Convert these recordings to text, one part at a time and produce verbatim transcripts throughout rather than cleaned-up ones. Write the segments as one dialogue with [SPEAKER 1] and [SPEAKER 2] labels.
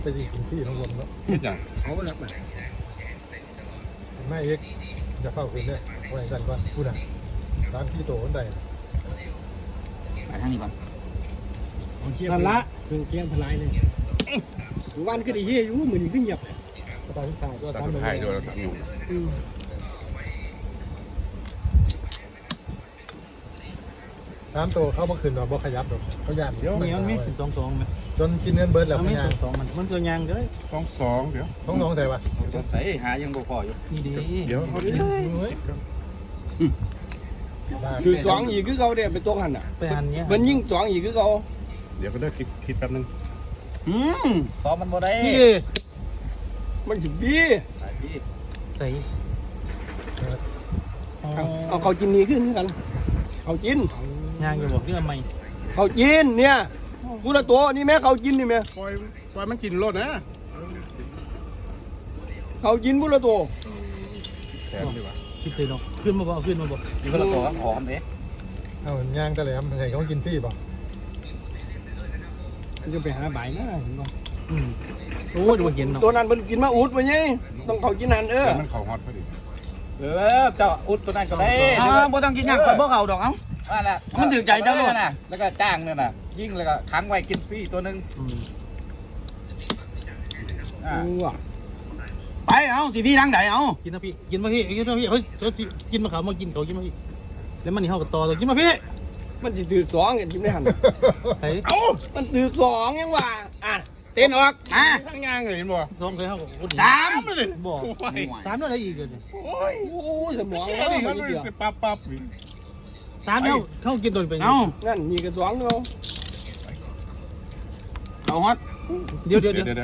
[SPEAKER 1] จะยิงถึงที่ทั้งหมดแล้ว
[SPEAKER 2] คิดอย่าง
[SPEAKER 3] เขาก็รับมา
[SPEAKER 1] ไม่เอกจะเข้าคืนเนี่ยไว้กันก่อนพูดนะตามที่โตคนใด
[SPEAKER 4] ไปทางนี้ก่อน
[SPEAKER 3] นั่นละเครื่องเกียงพลายเลยวันก็ได้เฮียอยู่เหมือนขึ้นหยับตอนที่ถ่ายก็
[SPEAKER 2] ตัด
[SPEAKER 3] ทำ
[SPEAKER 2] สุดท้ายด้วยเราสามหนุ่ม
[SPEAKER 1] ตามโตเข้ามาคืนเราบ่ขยับหรอกเขาย่าน
[SPEAKER 5] เดี๋ยวมีมันมีถึงสองสองไหม
[SPEAKER 1] จนกินเงินเบิร์ดแล้ว
[SPEAKER 5] มัน
[SPEAKER 1] พ
[SPEAKER 5] มี
[SPEAKER 1] ยา
[SPEAKER 5] ถึงสองมันมันตัวยางเลย
[SPEAKER 2] สองสองเดี๋ยว
[SPEAKER 1] ท้องน้องแต่ว่า
[SPEAKER 4] ใส่หายังบ่พออยู่
[SPEAKER 5] นี่ดี
[SPEAKER 2] เดี๋ยวเขาดิ
[SPEAKER 1] เฮ้ย
[SPEAKER 3] คือสองอีกคือเขาเนี่ยเป็นตัวหันอ่ะ
[SPEAKER 5] ไปหันเนี้ย
[SPEAKER 3] มันยิ่งสองอีกคือเขา
[SPEAKER 2] เดี๋ยวก็ได้คิดคิดแป๊บนึง
[SPEAKER 4] อืมซ้อมมันบ่ได้
[SPEAKER 3] พี่มันถึงพี่
[SPEAKER 4] ไปพี่
[SPEAKER 5] ใส่
[SPEAKER 3] เอาเขากินนี้ขึ้นกันเขากิน
[SPEAKER 5] ยางอยู่บอกที่ทำไม
[SPEAKER 3] เขากินเนี่ยกูละตัวนี่แม่เขากินนี่แม่
[SPEAKER 2] ปล่อยปล่อยมันกินรถนะ
[SPEAKER 3] เขากินกูละตัว
[SPEAKER 2] แทนดีกว่า
[SPEAKER 5] คิดเลยเนาะขึ้นมาบอกขึ้นมาบอก
[SPEAKER 4] อยู่คนละตัวหอมเด้
[SPEAKER 1] เอาย่างตะแหลมให้เขากินฟรีป่ะ
[SPEAKER 3] มันจะไปหาใบนะเห็นป่ะ
[SPEAKER 5] อืมโอ้ยดูเห็นเนาะ
[SPEAKER 3] ตัวนั้นมันกินมาอุดมาเนี่ยต้องเขากินนั่นเออ
[SPEAKER 2] แต่มันเข่าฮอตพอดี
[SPEAKER 4] เออเจ้าอุดตัวนั้นก็ได้อ่าบ่ต้องกินยากข่อยบ่เข้าดอกเอ้าว่าล่ะมันถึงใจเจ้าน่ะแล้วก็จ้างนั่นน่ะยิ่งแล้วก็ค้างไว้กินฟรีตัวนึง
[SPEAKER 5] อืม
[SPEAKER 4] อ่า
[SPEAKER 3] กูอ่ะ
[SPEAKER 4] ไปเอาสิพี่ทางไหนเอา
[SPEAKER 5] กินนะพี่กินมาพี่กินมาพี่เฮ้ยกินมาเขามากินเขากินมาพี่แล้วมันนี่เข้ากับต่อตัวกินมาพี่
[SPEAKER 3] มันจะถือสองกันกินไม่หัน
[SPEAKER 5] ไอ้
[SPEAKER 3] เอ้ามันถือสองยังว่าอ่ะ
[SPEAKER 4] เต้นออกมา
[SPEAKER 2] ทั้งยางเลยเห็นบ่
[SPEAKER 5] สองเคยเข้ากับคน
[SPEAKER 4] สาม
[SPEAKER 5] บอกสามอะไรอีกเลย
[SPEAKER 3] โอ้ยโอ้ยสมอง
[SPEAKER 2] แค่
[SPEAKER 3] เขา
[SPEAKER 2] นี้
[SPEAKER 3] มั
[SPEAKER 2] เขา
[SPEAKER 3] น
[SPEAKER 2] เล
[SPEAKER 3] เดียวย
[SPEAKER 2] ปั๊บปั๊บ
[SPEAKER 5] สามเข้าเข้ากินตัวไป
[SPEAKER 4] เอา
[SPEAKER 3] นั่นมีกระสองเขา
[SPEAKER 4] เอาฮอต
[SPEAKER 5] เดี๋ยวเดี๋ยว
[SPEAKER 2] เดี๋
[SPEAKER 5] เดี๋
[SPEAKER 2] ย
[SPEAKER 5] ยว ว
[SPEAKER 2] เดี๋ยว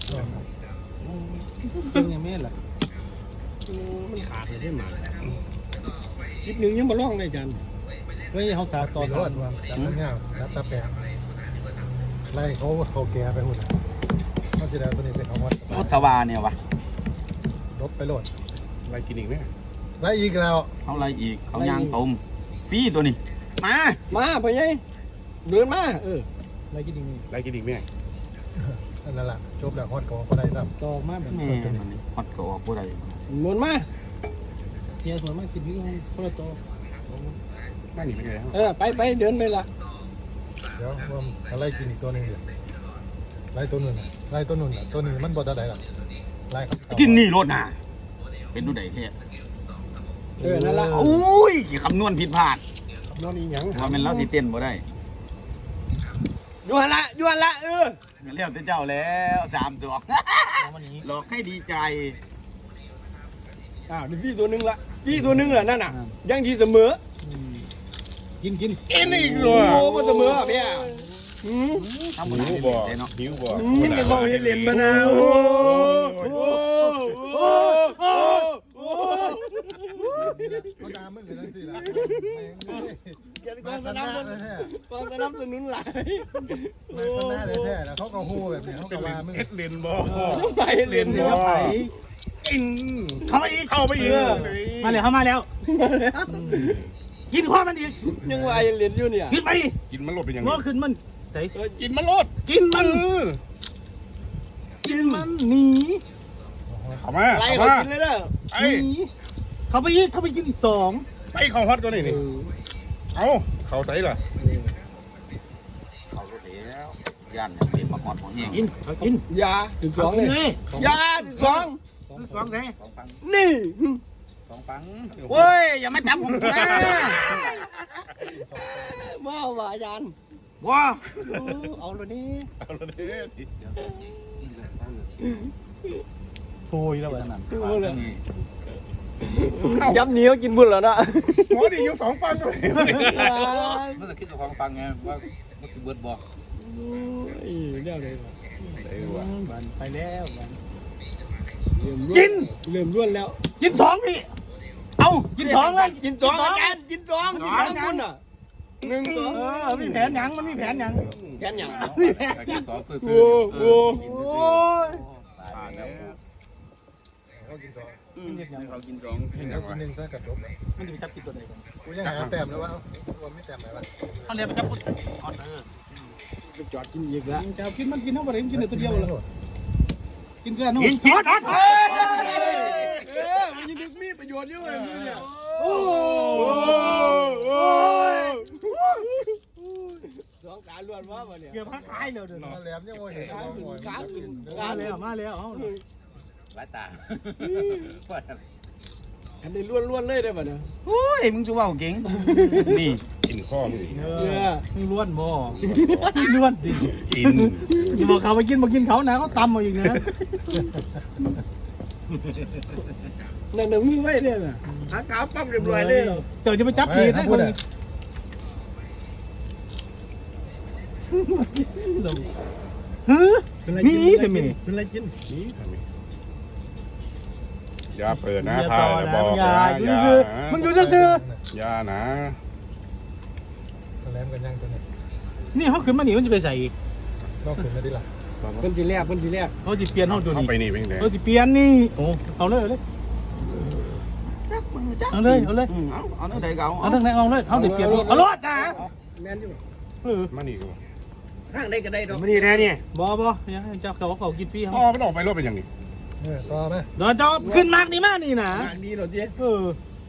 [SPEAKER 5] เป็นยังไม่ล่ะ
[SPEAKER 3] มันขาดเลยได้มาชิปหนึ่งยังมาล่องเลยจัน
[SPEAKER 5] เฮ้ยเขาสา
[SPEAKER 1] ตั
[SPEAKER 5] ต่
[SPEAKER 1] ว
[SPEAKER 5] อ
[SPEAKER 1] รอดว่าจับเงี้ยจับตาแปะไล่เขาเขาแก่ไปหุ่นเขาจะได้ตัวนี้เป็นเขาวัด
[SPEAKER 4] พุทธวาเนี่ยวะ
[SPEAKER 1] ลบไปโหลด
[SPEAKER 2] อะไรกินอีกไหม
[SPEAKER 1] ไล่อีกแล้ว
[SPEAKER 4] เขาอะไรอีกเขายางตมฟรีตัวนี้มา
[SPEAKER 3] มาพ่อใหญ่เดินมาเออ
[SPEAKER 5] อะไรกินอีกนี่
[SPEAKER 2] อะไรกินอีกไหม
[SPEAKER 1] นั่นแหละจบแล้วฮอดกองก็ได้ซ้
[SPEAKER 5] ต่อมาแบบ
[SPEAKER 4] แม่มันนี่ฮอตก็ออกผู้ใด
[SPEAKER 3] หมุนมา
[SPEAKER 5] เฮียส่วนมากกินที่คนละต่อ
[SPEAKER 2] ไม่หนีไปไหน
[SPEAKER 3] เออไปไปเดินไปละ
[SPEAKER 1] ำเดี๋ยวว่าอะไรกินอีกตัวหนึงเดี๋ยวไล่ตัวนู้นน่ะไล่ตัวนู้นน่ะตัวนี้มันบ่ได้หรอกไล่เขา
[SPEAKER 4] กินนี่รถน่ะเป็นดูใดแท้
[SPEAKER 3] เออนั่นละ
[SPEAKER 4] โอ้ยคำนวณผิดพลาด
[SPEAKER 3] นอนอีหยัง
[SPEAKER 4] ว่ามันเราสิเต้นบ่ได้
[SPEAKER 3] ยวนละยวนละเออ
[SPEAKER 4] เรียกเจ้าแล้วสามสอง
[SPEAKER 5] วันนี้
[SPEAKER 4] หลอกให้ดีใจ
[SPEAKER 3] อ้าวนี่พี่ตัวหนึงละพี่ตัวหนึงอ่ะนั่นน่ะยังดีเสมอ
[SPEAKER 5] กินกิน
[SPEAKER 2] กินอีกเล
[SPEAKER 3] โอ้
[SPEAKER 2] ย
[SPEAKER 3] มันเสมอพี่อ่ะอืม
[SPEAKER 4] ทำบุญ
[SPEAKER 2] หิว
[SPEAKER 4] ให้
[SPEAKER 2] บ่
[SPEAKER 4] ดีใจเนาะ
[SPEAKER 2] หิวบ่
[SPEAKER 3] อืมมันต้องเห็นเหรียญมานะโอ้โหโอ้โหโอ้โห
[SPEAKER 1] เขาด่ามึงเลยทั้งสี่ละ
[SPEAKER 3] เกียรติก
[SPEAKER 1] มา
[SPEAKER 3] อง
[SPEAKER 1] ส
[SPEAKER 3] ส
[SPEAKER 1] นา
[SPEAKER 3] นับ
[SPEAKER 1] เลยแท้
[SPEAKER 3] กองสนับสนุนหลาย
[SPEAKER 1] มาสนาเลยแท้แล้วเขาก็ฮู้แบบนี้เขาก็ว่ามึง
[SPEAKER 2] เอ็ดเลนบ่
[SPEAKER 3] ต้องไปเหรียญ
[SPEAKER 2] บ่
[SPEAKER 3] เนาะ
[SPEAKER 2] กินเข้าไปอีกเข้าไปอีก
[SPEAKER 5] มาเลยเข้ามาแล้วกินข้อมันอีก
[SPEAKER 3] ยังว่าเหรียญอยู่เนี่ย
[SPEAKER 5] กินไป
[SPEAKER 2] กินมันลดเป็นยัง
[SPEAKER 5] งอขึ้นมันใส่
[SPEAKER 3] เออ
[SPEAKER 2] กินมันลด
[SPEAKER 5] กินมันกินมันหนี
[SPEAKER 2] เข้ามา
[SPEAKER 3] อะไร
[SPEAKER 2] เข้า
[SPEAKER 3] เขา
[SPEAKER 2] มา
[SPEAKER 3] กินเลยเด้อ
[SPEAKER 2] ไอ้
[SPEAKER 5] หนีเขาไปอีกเขาไปกินอีกสอง
[SPEAKER 2] ไปเข้าฮอตก็นี่นี่เอาเข้าใส่ล่ะ
[SPEAKER 4] เขารถแล้วย่านเนี่ยเป็นมาฮอดหัวแห้ง
[SPEAKER 5] กินเขากิน
[SPEAKER 3] ยาถึงสองเลยยาถึงสอง
[SPEAKER 5] สองแท้
[SPEAKER 4] สองปัง
[SPEAKER 3] นี่
[SPEAKER 4] สองปังโอ้ยอย่ามาจับผมนะ
[SPEAKER 3] มาว่าอาจารย์
[SPEAKER 4] ว้า
[SPEAKER 3] เอาเลยนี่
[SPEAKER 2] เอาละเด้อ
[SPEAKER 5] โอ้ยแล้วแบบนั้น
[SPEAKER 3] ยับเหนียวกินบุญแล้วนะ
[SPEAKER 2] หมอดีอยู่สองปังเลย
[SPEAKER 4] เมื่อกี้กับของปังไงว่าว่าคือเบิร์ดบอก
[SPEAKER 3] เรื่องอะไร
[SPEAKER 5] บันไปแล้วบัน
[SPEAKER 3] กินเริ่มล้วนแล้ว
[SPEAKER 5] กินสองพี่เอากินสองเลย
[SPEAKER 3] กินสองอาจารย์กินสองกินสองคุณอ่ะหนึ่งสอง
[SPEAKER 5] เออมีแผนหยังมันมีแผนหยัง
[SPEAKER 3] แกนอย่าง
[SPEAKER 4] กินสองคือ
[SPEAKER 3] โอ้โห
[SPEAKER 5] โอ้ย
[SPEAKER 4] ตายแล้ว
[SPEAKER 1] เขากินต่อ
[SPEAKER 2] เขากินสองกิน
[SPEAKER 1] แล้
[SPEAKER 2] ยั
[SPEAKER 1] ว
[SPEAKER 2] ง
[SPEAKER 1] กิน
[SPEAKER 2] ไง
[SPEAKER 1] หนึ่งซะกัดจบ
[SPEAKER 5] มันจะไปจับกินตัวไหนกัน
[SPEAKER 1] กูยังหาแต้มแล้วว่าวันไม่แต้มไหนวะ
[SPEAKER 5] เขาเรียกไปจับกุดอ่อนเออ
[SPEAKER 3] จอดกินอีกแล้ว
[SPEAKER 5] จะกินมันกินเท่าไหร่กินแต่ตัวเดียวเลยกินเกลือนู่น
[SPEAKER 2] กินกินช็อต
[SPEAKER 3] เออมันยังดึกมีประโยชน์เยอะเลยมึงเนี่ยโอ้สองการล้วนว่าวันเนี่ย
[SPEAKER 5] เกือบพักคายเลยเด้อ
[SPEAKER 1] มาแหลมยังโมเห็นว่าหอยมันจะกิน
[SPEAKER 5] มาแล้วมาแล้วเอา
[SPEAKER 4] หลายตา
[SPEAKER 3] อันนี้ล้วนล้วนเลยได้ป่ะเนี่ย
[SPEAKER 4] โอ้ยมึงจะว่าเก่งนี่
[SPEAKER 2] กินข้อมึงอีก
[SPEAKER 5] เออมึงล้วนบ่ล้วนดิ
[SPEAKER 2] กิน
[SPEAKER 5] อย่าบอกเขามากินมากินเขานะเขาตำมาอีกนะ
[SPEAKER 3] นั่นน่ะมือไว้เนี่ยน่ะหากาวปั๊บเรียบร้อยเลย
[SPEAKER 5] เดี๋ยวจะไปจับผีให้คนฮึมีแต่มี
[SPEAKER 3] เป็นไรกิน
[SPEAKER 2] นี่ทำไมอย่าเปิดนะ
[SPEAKER 5] อย่า
[SPEAKER 2] พา
[SPEAKER 5] ต่อ
[SPEAKER 2] อย่า
[SPEAKER 5] นะ
[SPEAKER 2] บอก
[SPEAKER 5] อย่า
[SPEAKER 2] นะ
[SPEAKER 5] ดู
[SPEAKER 2] อย่า
[SPEAKER 5] คือมึงดูซื่อ
[SPEAKER 2] อย่านะ
[SPEAKER 1] มาแหลมกันยังตัวนี้
[SPEAKER 5] นี่เขาขึ้นมาหนีมันจะไปใส่อีก
[SPEAKER 1] นอกขึ้นไม่ได้ละ
[SPEAKER 3] เพิ่นสิแลกเพิ่นสิแลก
[SPEAKER 5] เขาจะเปลี่ยนเขาดู
[SPEAKER 2] เข้า
[SPEAKER 5] นี่
[SPEAKER 2] ไปนี่เป็นไง
[SPEAKER 5] เขาจะเปลี่ยนนี่โอ้เอาเลยเอาเลย
[SPEAKER 4] จักมือจัก
[SPEAKER 5] เอาเลยเอาเลย
[SPEAKER 4] เอาเอาเนื้อใดเก่า
[SPEAKER 5] เอาทั้งนั้นเอาเลยเขาจะเปลี่ยนเอารถนะ
[SPEAKER 3] แม่นอยู่
[SPEAKER 5] เออ
[SPEAKER 2] มานี่กู
[SPEAKER 3] ข้างใดก็ได้ดอก
[SPEAKER 2] มานี่แน่เนี่ย
[SPEAKER 5] บอบอยังเจ้าเขาเขากินฟรี
[SPEAKER 2] พ่อ
[SPEAKER 5] เขา
[SPEAKER 2] ไม่ต้องไปรถเป็นอย่างนี้
[SPEAKER 1] เออต่อไหม
[SPEAKER 5] เดี๋ยวเจ้าขึ้นมากนี่มากนี่นะ
[SPEAKER 3] ทางดีเหรอเจ๊
[SPEAKER 5] เออ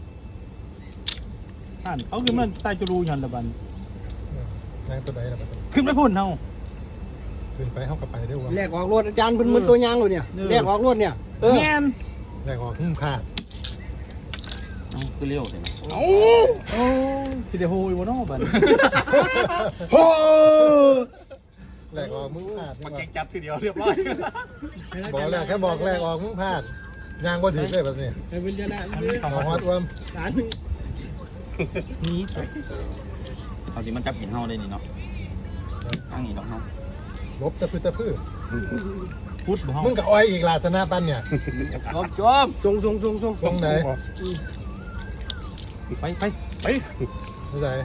[SPEAKER 5] อ่านเขาขึ้นมาใต้จรูยันตะบัน
[SPEAKER 1] ยังตัวไหนล่ะ
[SPEAKER 5] ขึ้นไปพุ่นเฮา
[SPEAKER 1] ขึ้นไปเข้ากับไปได้วะ
[SPEAKER 3] แลกออกรถอาจารย์เพิ่นเหมือนตัวยางเลยเนี่ยแลกออกรถเนี่ยเออ
[SPEAKER 5] แง่น
[SPEAKER 1] แรกออกหุ้มขาด
[SPEAKER 4] คือเลี้ยวใช่ไหม
[SPEAKER 2] เอ้า
[SPEAKER 5] โอ้สิเดโฮอีวานอบัน
[SPEAKER 2] โอ้
[SPEAKER 1] แรกออกมึงพลาด
[SPEAKER 4] มาเก่งจับทีเดียวเรียบร้อย
[SPEAKER 1] บอกแรกแค่บอกแรกออกมึงพลาดยางบ่ถึงเลยแบบนี้
[SPEAKER 3] ให้เพิ่นชนะ
[SPEAKER 1] เอาฮอตวม
[SPEAKER 3] ฐานหนึง
[SPEAKER 5] นี่
[SPEAKER 4] เอาสิมันจับเห็นเฮาได้นี่เนาะตั้งนี่ดอกเฮา
[SPEAKER 1] ลบตะพื้ตะพื้
[SPEAKER 5] พุทธบ่เฮา
[SPEAKER 1] มึงกับอ้อยอีกลาสนาปันเนี่ย
[SPEAKER 4] จบจบ
[SPEAKER 3] ส่งส่งส่งส่ง
[SPEAKER 1] ตรงไหน
[SPEAKER 5] ไปไป
[SPEAKER 2] ไป
[SPEAKER 1] ที่ไหน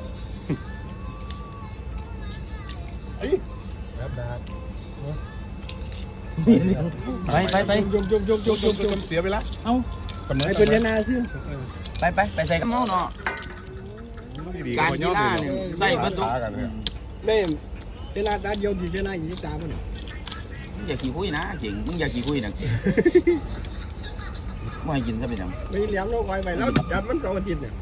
[SPEAKER 2] ไอ้
[SPEAKER 1] แบบดาด
[SPEAKER 5] ไปไปไป
[SPEAKER 3] ยกยกยกยกยกยก
[SPEAKER 2] เสียไปละ
[SPEAKER 5] เอา
[SPEAKER 3] ให้เพิ่นชนะซิ
[SPEAKER 4] ไปไปไปใส่กับเฮาเนาะการกีฬาเนี่ยใส่เบิดทุก
[SPEAKER 2] กันเลย
[SPEAKER 3] แม่ชนะด้านเดียวสิชนะอีกสามมัน
[SPEAKER 4] มึงอย่าขี้คุยนะเก่งมึงอย่าขี้คุยนะเก่งไม่ให้กินซะเป็นยัง
[SPEAKER 3] ไม่เลี้ยงโลกไว้ไปแล้วจับมันเสาร์อาทิตย์เนี่ย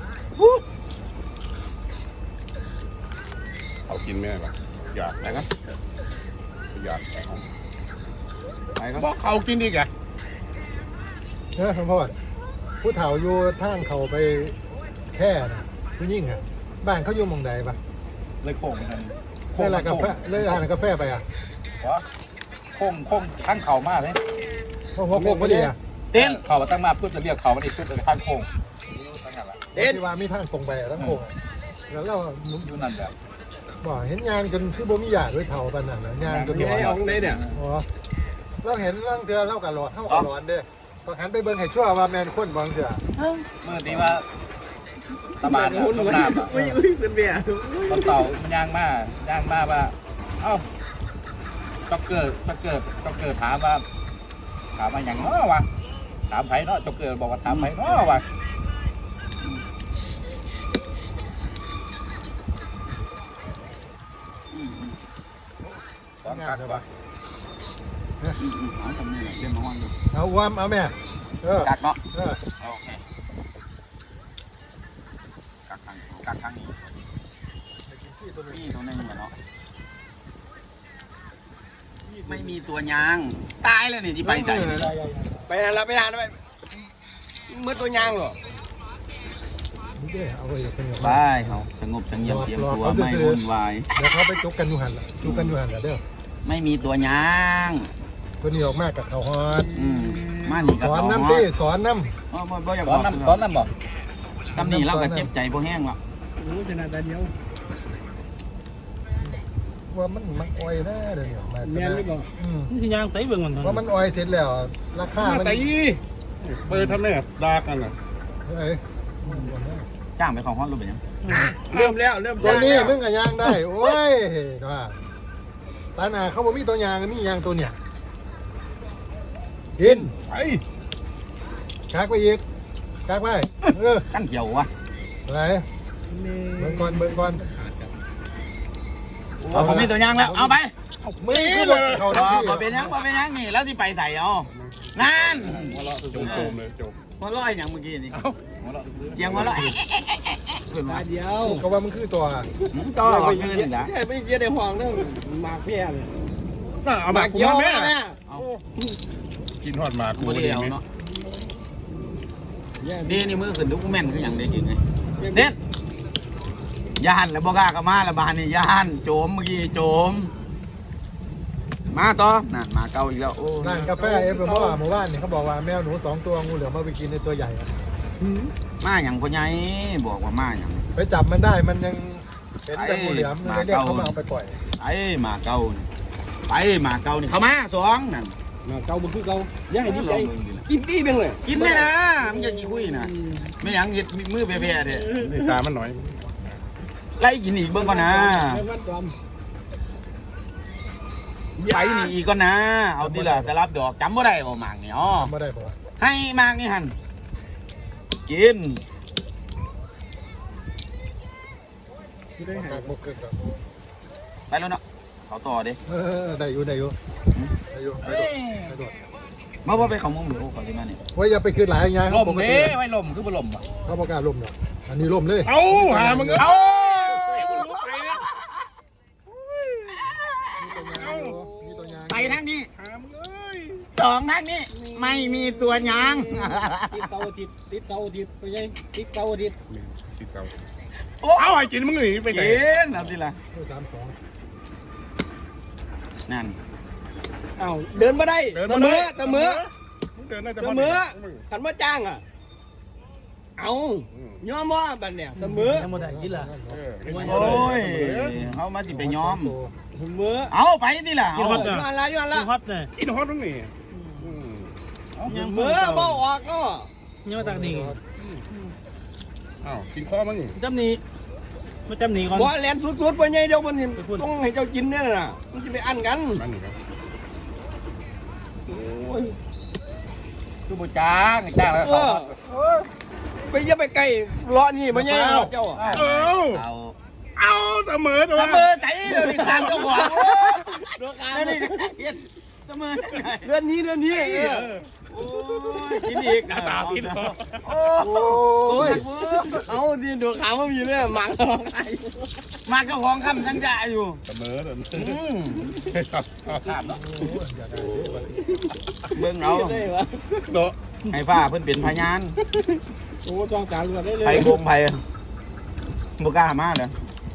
[SPEAKER 2] เอากินแม่ปะอยาก
[SPEAKER 4] ไปก็
[SPEAKER 2] อยาก
[SPEAKER 4] ไปก็
[SPEAKER 2] บอกเขากินดีแก
[SPEAKER 1] เออพ่อผู้เฒ่าอยู่ทางเขาไปแค่นะผู้ยิ่งอ่ะบ้านเขาอยู่หมองใดปะ
[SPEAKER 4] เลยโค้งมัน
[SPEAKER 1] เล่นอะไรกาแฟเล่นอะไรกาแฟไปอ่ะ
[SPEAKER 4] โค้งโค้งทั้งเข่ามากเลย
[SPEAKER 1] เพราะหัวโคกพอดีอ่ะ
[SPEAKER 4] เต้นเข่ามาตั้งมาพุทธเรียกเข่ามันอีกพุทธข้างโค้ง
[SPEAKER 1] เอ็นที่ว่ามีทางตรงไปอะทั้งโคกอะแล้วเรา
[SPEAKER 4] อยู่นั่นแหละ
[SPEAKER 1] บอกเห็นยางจนคือบ่มีหยาดด้วยเฒ่าปานนั้นนะยางจน
[SPEAKER 3] มี
[SPEAKER 1] บ่
[SPEAKER 3] ไอ้ออกได้เนี่ย
[SPEAKER 1] อ๋อเราเห็นเรื่องเทือเล่ากับหลอดเท่ากับหลอนเด้พอหันไปเบิ่งให้ชั่วว่าแมนคนบางเทือ
[SPEAKER 4] เมื่อนี้ว่าตะบานต้นน้ำ
[SPEAKER 3] อุ้ยอุ้ยเป็นเบียร์
[SPEAKER 4] ต้นเต่ามันย่างมาย่างมาว่าเอ้าจ็อกเกอร์จ็อกเกอร์จ็อกเกอร์ถามว่าถามมาอย่างน้อวะถามไผ่เนาะจ็อกเกอร์บอกว่าถามไผ่น้อวะตอนกัดวะเอาทำนี่เล่นมาว่างอยู่
[SPEAKER 1] เอาอ้วมเอาแม่เออ
[SPEAKER 4] กัดเนาะ
[SPEAKER 1] เออ
[SPEAKER 4] โอเคกัดทางกัดทางนี้นี่ตัวนึงเหมือนเนาะไม่มีตัวยางตายเลยนี่ที่ไปใส่
[SPEAKER 3] ไปนานแล้วไปนานแล้วไปมืดตัวยางหรอ
[SPEAKER 1] นี่เด้เอาไว้เป็นอย่าง
[SPEAKER 4] บายเขาสงบสงเงียมเตรียมตัวไม่วุ่นวาย
[SPEAKER 1] เดี๋ยวเขาไปจุกกันอยู่หันละจุกกันอยู่หันละเด้อ
[SPEAKER 4] ไม่มีตัวยาง
[SPEAKER 1] คนนี้ออกมากับเขาฮอด
[SPEAKER 4] อืมมาหนีกับ
[SPEAKER 1] สอน
[SPEAKER 4] เขา
[SPEAKER 1] น้ำตี้สอนน้
[SPEAKER 4] อ๋อบ่บ่อยากบอกน้ำสอนน้ำบ่ซ้ำนี่เราก็เจ็บใจพวกแห้งว่ะ
[SPEAKER 3] โอ้ชนะแต่เดียว
[SPEAKER 1] ำว่ามันมันอ้อยนะเดี๋ยวนี้มา
[SPEAKER 3] แม่นหรือเปล่า
[SPEAKER 1] อืม
[SPEAKER 5] นี่คือยางใส่เบิ่งมัน
[SPEAKER 1] ว่ามันอ้อยเสร็จแล้วราคามัน
[SPEAKER 2] ใส่เปิดทำเนี่ยดากันอ่ะ
[SPEAKER 1] เอ้ย
[SPEAKER 4] จ้างไปของฮอตรู้เป็นยัง
[SPEAKER 3] เริ่มแล้วเริ่ม
[SPEAKER 1] ตัวนี้
[SPEAKER 3] แล้ว
[SPEAKER 1] มึงกับยางได้โอ้ยว่าตาหนาเขาบอกมีตัวยางมียางตัวเนี่ยกิน
[SPEAKER 2] ไป
[SPEAKER 1] กักไปอีกกักไปเออ
[SPEAKER 4] ขั้นเขียววะ
[SPEAKER 1] อะไรเบิ่งก่อนเบิ่งก่อน
[SPEAKER 4] เอาผมมีตัวยางแล้วเอาไป
[SPEAKER 1] มึงคือรถเขา
[SPEAKER 4] บ
[SPEAKER 1] ทั้งที่
[SPEAKER 4] ่เป็นยังบ่เป็นยังนี่แล้วที่ไปใส่เอานั่น
[SPEAKER 2] หัวเราะโจมโจมเลยโจม
[SPEAKER 4] หัวเราะอย่างเมื่อกี้นี่เสียงหัวเราะขึ้นมา
[SPEAKER 3] ตาเดียว
[SPEAKER 1] ก็ว่ามึงคือตัว
[SPEAKER 4] ต่อขึ้นนะ
[SPEAKER 3] ไม่เยอะในห้องเด้อหมากเพี้ยเลย
[SPEAKER 2] น่าเอา
[SPEAKER 3] ห
[SPEAKER 2] มา
[SPEAKER 3] าก
[SPEAKER 2] กู
[SPEAKER 3] เกี่ยว
[SPEAKER 2] มาแม่
[SPEAKER 3] มาเนี่ย
[SPEAKER 2] กินทอดหมากกู
[SPEAKER 4] บ่
[SPEAKER 2] ดี
[SPEAKER 4] ได้เอา
[SPEAKER 2] ไหม
[SPEAKER 4] เนาะดีนี่มือขึ้นดูกูแม่นคืออย่างได้กินไงเด็ดยานแล้วบ่กล้าก็มาแล้วบานนี่ยานโจมเมื่อกี้โจมมาต่อนั่นมาเก่าอีกแล้วโอ้
[SPEAKER 1] ร้านกาแฟเอฟเอ็มว่าหมู่บ้านเนี่ยเขาบอกว่าแมวหนูสองตัวงูเหลือมมาไปกินในตัวใหญ่อะ
[SPEAKER 4] มาอย่างพ่อใหญ่บอกว่ามาอย่าง
[SPEAKER 1] ไปจับมันได้มันยังเห็นแต่งูเหลือมเลยเรียกเขามาเอาไปปล่อย
[SPEAKER 4] ไปมาเก่านี่ไปมาเก่านี่เข้ามาสองนั่น
[SPEAKER 3] หมากเก่าบ่คือเก่าอย่าให้ดีใจกินดีเพียงเลย
[SPEAKER 4] กินเลยนะมึงอย่าขี้คุยนะไม่หยังเห็ดมือแผ่ๆเด้
[SPEAKER 2] นี่ตามันหน่อย
[SPEAKER 4] ไล่กินอีกเบิ่งก่อนนะ
[SPEAKER 3] แม่นวัดกลม
[SPEAKER 4] ไปนี่อีกก่อนนะ เอาทีละสลับดอกจำบ่ได้บ่หมากนี่อ๋อ
[SPEAKER 1] ทำไม่ได้ปะวะ
[SPEAKER 4] ให้หมากนี่หั่นกิน
[SPEAKER 3] ที่ได้หา
[SPEAKER 1] ปากบกเกิดก่อน
[SPEAKER 4] ไปแล้วเนาะเขาต่อเด้
[SPEAKER 1] เออได้อยู่ได้อยู่ได้อยู่ไปโดดไปโดด
[SPEAKER 4] มาบ่ไปเขามุมหรือเขาสิมานี่
[SPEAKER 1] ว่าอย่าไปคืนหลายอย่าง
[SPEAKER 4] ลมเด้ไว้ลมคือบ่ลมอ่ะ
[SPEAKER 1] เขาประกล้าศลมเนาะอันนี้ลมเลย
[SPEAKER 2] เอาหามึง
[SPEAKER 4] เอา
[SPEAKER 1] มีตัวยาง
[SPEAKER 4] ไปทางนี้
[SPEAKER 2] หามึงเอ้ย
[SPEAKER 4] สองทางนี้ไม่มีตัวยาง
[SPEAKER 3] ติดเสาร์อาทิตย์ติดเสาร์อาทิตย์ไปยัยติดเสาร์อาทิตย์
[SPEAKER 2] ติดเก่า
[SPEAKER 4] โอ้
[SPEAKER 2] เอาไอ้กินมึงหนีไปไหน
[SPEAKER 4] กินเอาสิล่ะ
[SPEAKER 1] สามสอง
[SPEAKER 4] นั่น
[SPEAKER 3] เอ้าเดินมาได้เสมอเสมอ
[SPEAKER 2] เดินน่าจะ
[SPEAKER 3] เสมอขันว่าจ้างอ่ะเอายอมว่าบัดเนี่ยเสมอ
[SPEAKER 5] ยังบ่ได้กินล่ะ
[SPEAKER 4] โอ้ยเขามาสิไปย้อม
[SPEAKER 3] เสมอ
[SPEAKER 4] เอาไปดิล่ะ
[SPEAKER 5] กิน
[SPEAKER 4] เอา
[SPEAKER 5] ฮอต
[SPEAKER 3] ย้
[SPEAKER 5] น่ะ
[SPEAKER 3] อนละย้อน
[SPEAKER 5] กิ
[SPEAKER 3] ละ
[SPEAKER 5] นฮอตน่ะ
[SPEAKER 2] กินฮอตตรงนี้
[SPEAKER 3] เสมอบ่ออกก็
[SPEAKER 5] ยังมาตักนี่
[SPEAKER 2] อ้าวกินข้อมั้งนี่
[SPEAKER 5] จำนี้มาจำนี้ก่อน
[SPEAKER 3] บ่แลนสุดๆไปยัยเดี๋ยวมันต้องให้เจ้ากินเนี่ยน่ะมันจะไปอั้นกัน
[SPEAKER 2] มันนี่ครับ
[SPEAKER 3] โอ้ย
[SPEAKER 4] คือบุจ้างจ้างแล้ว
[SPEAKER 3] เออไปอย่าไปไกลรอนี่มันยัยเจ้า
[SPEAKER 2] เอา
[SPEAKER 4] เอา
[SPEAKER 2] เอาเสมอตัว
[SPEAKER 4] เสมอใจเดี๋ยวนี้ตามเจ้าของ
[SPEAKER 3] ดูการ
[SPEAKER 4] นั่นนี่เสมอ
[SPEAKER 3] เดือนนี้เดือนนี้เออ
[SPEAKER 4] โอ้ยกินอีก
[SPEAKER 2] ตาพิษ
[SPEAKER 4] โอ้ย
[SPEAKER 3] เอาดีดูขาวมันมีเนี่ยหมังอะไร
[SPEAKER 4] มาเจ้าของคำทั้งจ่าอยู่
[SPEAKER 2] เสมอเดิน
[SPEAKER 4] อืม
[SPEAKER 2] ครับ
[SPEAKER 4] ขาดเนาะ
[SPEAKER 1] อย่าได้
[SPEAKER 4] เบิ่งเอา
[SPEAKER 3] ได้เหรอ
[SPEAKER 2] เนาะ
[SPEAKER 4] ให้ฟ้าเพิ่นเป็นพยาน
[SPEAKER 3] โอ้ต้องการเลือดได้เลย
[SPEAKER 4] ไผคงไผบ่กล้ามาเลย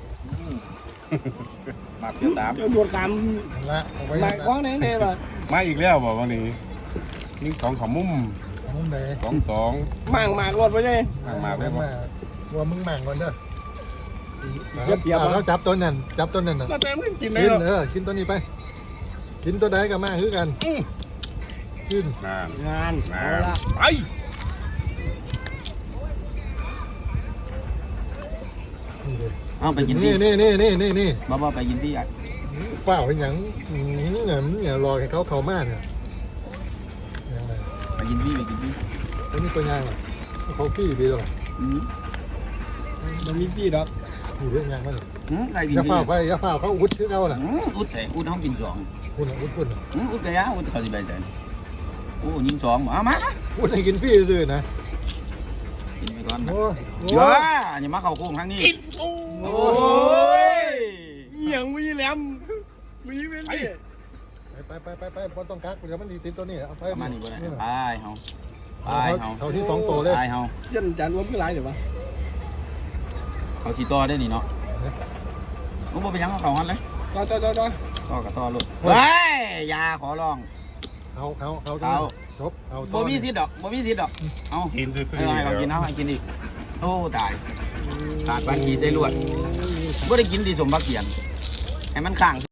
[SPEAKER 4] มาเที่ยวตาม
[SPEAKER 3] จะดูการ
[SPEAKER 1] ละเอาไว้
[SPEAKER 3] หมักของไหนเนี่ยป่ะ
[SPEAKER 2] มาอีกแล้วบอกวันนี้นี่สองขมุม
[SPEAKER 1] มุมไหน
[SPEAKER 2] สองสอง
[SPEAKER 3] หมักหมักรถไปเลย
[SPEAKER 2] ห่างมาได้
[SPEAKER 1] ได้
[SPEAKER 2] บ่
[SPEAKER 1] มาว่ามึงแม่งก่อนเด้อ
[SPEAKER 3] เจ็บเปียบ
[SPEAKER 1] แล้วจับตัวนั่นจับตัวนั่นน่ะ
[SPEAKER 2] มาแต่ไม่กินได้
[SPEAKER 1] กิน
[SPEAKER 2] หรอก
[SPEAKER 1] เออกินตัวนี้ไป กินตัวใดกับมาคือกันกิน
[SPEAKER 2] นาน
[SPEAKER 3] งาน
[SPEAKER 2] นา
[SPEAKER 3] เอา
[SPEAKER 2] น
[SPEAKER 3] ละ
[SPEAKER 2] ไป
[SPEAKER 4] เอาไปกิน
[SPEAKER 1] นี่
[SPEAKER 4] ที่
[SPEAKER 1] นี่นี่นี่นี่นี่
[SPEAKER 4] บ่บ่ไปกินที่อ่ะ
[SPEAKER 1] เฝ้าเป็นอย่างนี้เนี่ยเนี่ยรอให้เขาเข้ามาเนี่ยยังไง
[SPEAKER 4] ไปกินที่ไปกินที่
[SPEAKER 1] ตัวนี้ตัวยางอ่ะเขาขี้ดีหรอ
[SPEAKER 4] อืม
[SPEAKER 3] มันมีพี่ดอก
[SPEAKER 1] มีเรื่องยางมั้ย
[SPEAKER 4] อืมอะไรกิน
[SPEAKER 1] อย่า
[SPEAKER 4] ที่
[SPEAKER 1] เฝ้าไปอย่าเฝ้าเขาอุดคือเขาน่ะ
[SPEAKER 4] อืมอุดใส่อุดเฮากินสอง
[SPEAKER 1] คุณอุดคุณ
[SPEAKER 4] อืมอุดกะยะอุดเขาสิไปใส่โอ้ยิงสองเอามา
[SPEAKER 1] อุดให้กินพี่ซื่อนะ
[SPEAKER 4] กินไปก่อนนะ
[SPEAKER 1] โอ้
[SPEAKER 4] เยอะอย่ามาเข้าโค้งทางนี้
[SPEAKER 3] โอ้
[SPEAKER 4] โอ้ย
[SPEAKER 3] ยยังมีแหลมมีเป็นดิ
[SPEAKER 1] ไปไปไปไปบอลต้องกักเดี๋ยวมันดีติดตัวนี้เอาไป
[SPEAKER 4] ประมาณนี้บ่ได้ไปเฮาไป
[SPEAKER 1] เขา
[SPEAKER 4] เฮา
[SPEAKER 1] เขาที่สองโตเลย
[SPEAKER 4] ไปเฮา
[SPEAKER 3] เช่นจานว่าพี่ไรเดี๋ยววะ
[SPEAKER 4] เขาสิต่อได้นี่เนาะกูบ่ไปยังเขาเขาหันเลย
[SPEAKER 3] ต่อต่อต่อต่อ
[SPEAKER 4] ต่อกับต่อลูกเฮ้ยอย่าขอร้อง
[SPEAKER 1] เขาเขาเขา
[SPEAKER 4] เขา
[SPEAKER 1] จบเอา
[SPEAKER 4] บ่มีสิทธิ์ดอกบ่มีสิทธิ์ดอกเอา
[SPEAKER 2] กินซื้อ
[SPEAKER 4] ให้ให้เขากินเอาให้กินอีกโอ้ตายขาดปานกีใส่ลวดบ่ได้กินดีสมบักเกียนให้มันข้าง